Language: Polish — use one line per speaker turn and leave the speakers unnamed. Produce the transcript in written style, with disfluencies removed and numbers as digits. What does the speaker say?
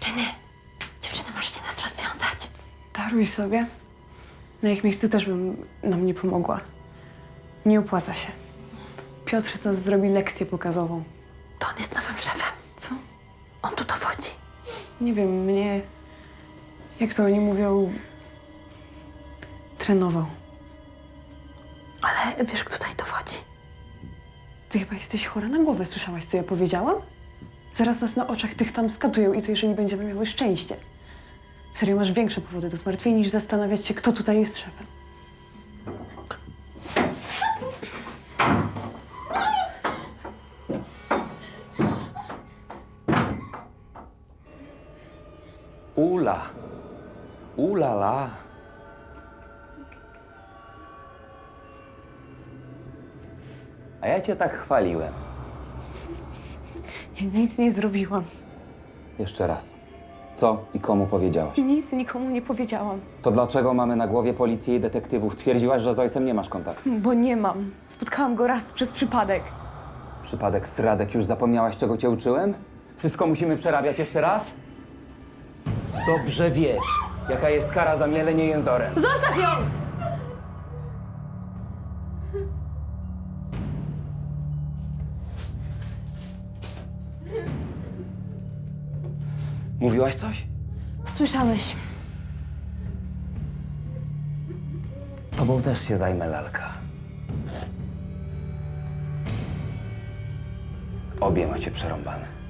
Dziewczyny, możecie nas rozwiązać.
Daruj sobie. Na ich miejscu też bym nam nie pomogła. Nie opłaca się. Piotr z nas zrobi lekcję pokazową.
To on jest nowym szefem.
Co?
On tu dowodzi.
Nie wiem, mnie... Jak to oni mówią... Trenował.
Ale wiesz, kto tutaj dowodzi?
Ty chyba jesteś chora na głowę. Słyszałaś, co ja powiedziałam? Zaraz nas na oczach tych tam skatują i to jeżeli będziemy miały szczęście. Serio, masz większe powody do zmartwień niż zastanawiać się, kto tutaj jest szefem.
Ula. Ulala. A ja cię tak chwaliłem.
Ja nic nie zrobiłam.
Jeszcze raz. Co i komu powiedziałaś?
Nic nikomu nie powiedziałam.
To dlaczego mamy na głowie policję i detektywów? Twierdziłaś, że z ojcem nie masz kontaktu.
Bo nie mam. Spotkałam go raz przez przypadek.
Przypadek Stradek, już zapomniałaś, czego cię uczyłem? Wszystko musimy przerabiać jeszcze raz? Dobrze wiesz, jaka jest kara za mielenie jęzorem.
Zostaw ją!
Mówiłaś coś?
Słyszałeś.
Tobą też się zajmę, lalka. Obie macie przerąbane.